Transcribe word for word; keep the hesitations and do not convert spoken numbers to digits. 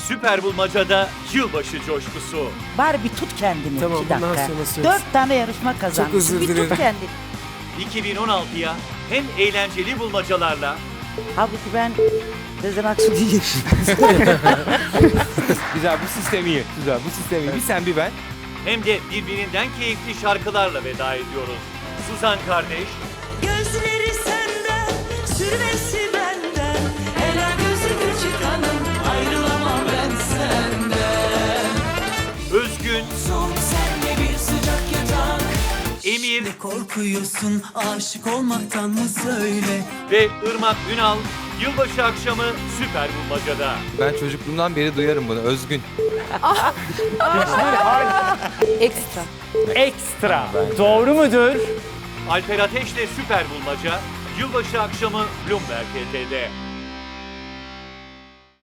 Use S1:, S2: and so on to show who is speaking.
S1: Süper Bulmaca'da yılbaşı coşkusu.
S2: Bari bir tut kendini
S3: Tamam,
S2: iki dakika.
S3: bundan sonra söz.
S2: Dört tane yarışma kazanmışsın.
S3: özür
S2: Bir
S3: dilerim.
S2: tut kendini.
S1: iki bin on altıya hem eğlenceli bulmacalarla
S2: Halbuki ben Sezen Aksu diyeceğim.
S4: Güzel, bu sistem iyi. Güzel, bu sistem iyi. Bir sen bir ben.
S1: hem de birbirinden keyifli şarkılarla veda ediyoruz. Suzan kardeş,
S5: Gözleri senden, sürmesi benden. Ela gözümü çıkanım, ayrılamam ben senden.
S1: Özgün,
S5: Soğuk senle bir sıcak yatak.
S1: Emir
S5: Ne korkuyorsun aşık olmaktan mı söyle?
S1: ve Irmak Ünal yılbaşı akşamı Süper Bulmaca'da.
S4: Ben çocukluğumdan beri duyarım bunu. Özgün.
S6: Ekstra.
S7: Ekstra. Doğru mudur?
S1: Alper Ateş'le Süper Bulmaca yılbaşı akşamı Bloomberg T V'de.